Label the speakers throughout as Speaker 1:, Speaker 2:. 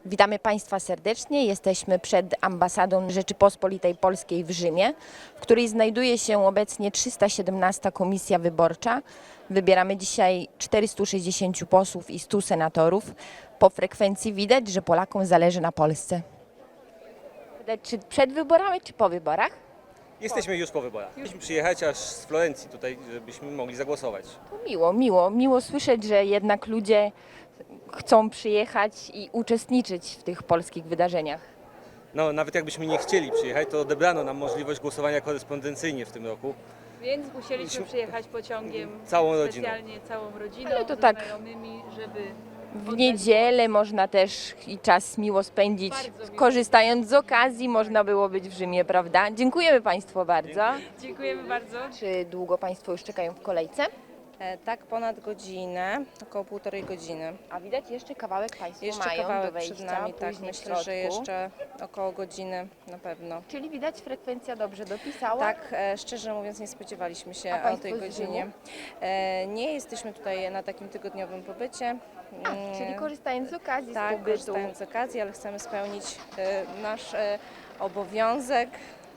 Speaker 1: Witamy Państwa serdecznie. Jesteśmy przed ambasadą Rzeczypospolitej Polskiej w Rzymie, w której znajduje się obecnie 317 komisja wyborcza. Wybieramy dzisiaj 460 posłów i 100 senatorów. Po frekwencji widać, że Polakom zależy na Polsce. Czy przed wyborami, czy po wyborach?
Speaker 2: Jesteśmy już po wyborach. Chcieliśmy przyjechać aż z Florencji tutaj, żebyśmy mogli zagłosować.
Speaker 1: To miło słyszeć, że jednak ludzie chcą przyjechać i uczestniczyć w tych polskich wydarzeniach.
Speaker 2: No, nawet jakbyśmy nie chcieli przyjechać, to odebrano nam możliwość głosowania korespondencyjnie w tym roku.
Speaker 3: Więc musieliśmy przyjechać pociągiem
Speaker 2: Całą rodziną.
Speaker 3: specjalnie całą rodziną,
Speaker 1: Ale to
Speaker 3: ze
Speaker 1: tak
Speaker 3: znajomymi, żeby
Speaker 1: w niedzielę można też i czas miło spędzić,
Speaker 3: Bardzo miło.
Speaker 1: korzystając z okazji można było być w Rzymie, prawda? Dziękujemy Państwu bardzo.
Speaker 3: Dziękujemy bardzo.
Speaker 1: Czy długo Państwo już czekają w kolejce?
Speaker 4: Tak, ponad godzinę, około 1,5 godziny.
Speaker 1: A widać jeszcze kawałek Państwo
Speaker 4: Jeszcze
Speaker 1: mają do
Speaker 4: kawałek
Speaker 1: wejścia,
Speaker 4: przed nami, tak,
Speaker 1: później w
Speaker 4: myślę, że
Speaker 1: środku.
Speaker 4: jeszcze około godziny na pewno.
Speaker 1: Czyli widać frekwencja dobrze dopisała?
Speaker 4: Tak, szczerze mówiąc nie spodziewaliśmy się
Speaker 1: A
Speaker 4: o
Speaker 1: państwo
Speaker 4: tej
Speaker 1: z
Speaker 4: godzinie.
Speaker 1: Rzymu?
Speaker 4: Nie jesteśmy tutaj na takim tygodniowym pobycie.
Speaker 1: Czyli korzystając z okazji, z
Speaker 4: Tak,
Speaker 1: pobytu.
Speaker 4: korzystając z okazji, ale chcemy spełnić nasz obowiązek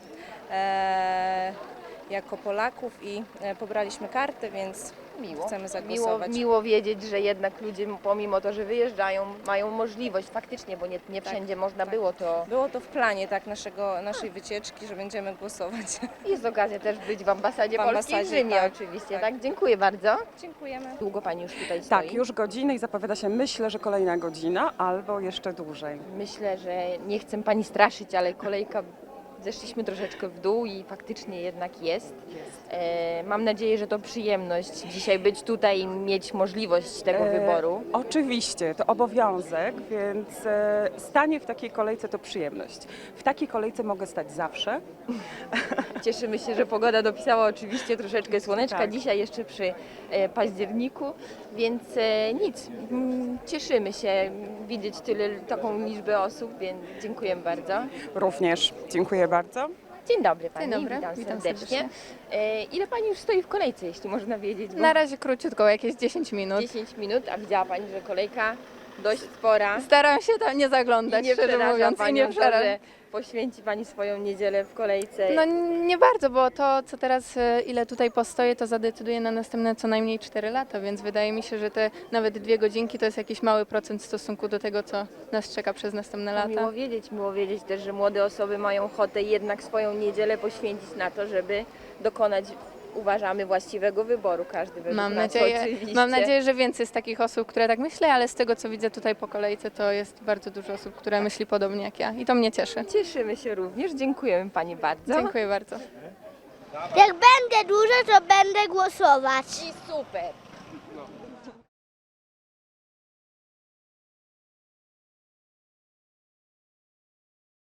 Speaker 4: jako Polaków i pobraliśmy karty, więc chcemy zagłosować.
Speaker 1: Miło wiedzieć, że jednak ludzie pomimo to, że wyjeżdżają, mają możliwość faktycznie, bo nie wszędzie można było to.
Speaker 4: Było to w planie tak naszej wycieczki, że będziemy głosować.
Speaker 1: Jest okazja też być w ambasadzie
Speaker 4: W
Speaker 1: polskiej w
Speaker 4: ambasadzie,
Speaker 1: Rzymie
Speaker 4: tak,
Speaker 1: oczywiście,
Speaker 4: tak.
Speaker 1: tak? Dziękuję bardzo.
Speaker 4: Dziękujemy.
Speaker 1: Długo Pani już tutaj stoi?
Speaker 5: Tak, już godzinę i zapowiada się, myślę, że kolejna godzina albo jeszcze dłużej.
Speaker 1: Myślę, że nie chcę Pani straszyć, ale kolejka, zeszliśmy troszeczkę w dół i faktycznie jednak jest. Mam nadzieję, że to przyjemność dzisiaj być tutaj i mieć możliwość tego wyboru.
Speaker 5: Oczywiście, to obowiązek, więc stanie w takiej kolejce to przyjemność. W takiej kolejce mogę stać zawsze.
Speaker 1: Cieszymy się, że pogoda dopisała oczywiście troszeczkę słoneczka,
Speaker 5: Tak.
Speaker 1: dzisiaj jeszcze przy październiku, więc nic, cieszymy się widzieć taką liczbę osób, więc dziękujemy bardzo.
Speaker 5: Również dziękuję bardzo.
Speaker 1: Dzień dobry Pani,
Speaker 6: Dzień dobry,
Speaker 1: witam
Speaker 6: witam
Speaker 1: serdecznie. Ile Pani już stoi w kolejce, jeśli można wiedzieć? Bo
Speaker 6: Na razie króciutko, jakieś 10 minut.
Speaker 1: 10 minut, a widziała Pani, że kolejka dość spora.
Speaker 6: Staram się tam nie zaglądać,
Speaker 1: I nie
Speaker 6: szczerze
Speaker 1: przeraża
Speaker 6: mówiąc, i
Speaker 1: Panią
Speaker 6: nie
Speaker 1: to,
Speaker 6: przeraża.
Speaker 1: że poświęci Pani swoją niedzielę w kolejce.
Speaker 6: No nie bardzo, bo to, co teraz, ile tutaj postoję, to zadecyduje na następne co najmniej 4 lata, więc wydaje mi się, że te nawet 2 godzinki to jest jakiś mały procent w stosunku do tego, co nas czeka przez następne lata.
Speaker 1: Miło wiedzieć też, że młode osoby mają ochotę jednak swoją niedzielę poświęcić na to, żeby dokonać, uważamy, właściwego wyboru. Każdy według
Speaker 6: Mam
Speaker 1: nas oczywiście.
Speaker 6: nadzieję, że więcej jest takich osób, które tak myślą, ale z tego, co widzę tutaj po kolejce, to jest bardzo dużo osób, które myśli podobnie jak ja i to mnie cieszy.
Speaker 1: Cieszymy się również, dziękujemy Pani bardzo.
Speaker 6: Dziękuję bardzo.
Speaker 7: Jak będę duża, to będę głosować.
Speaker 1: I super.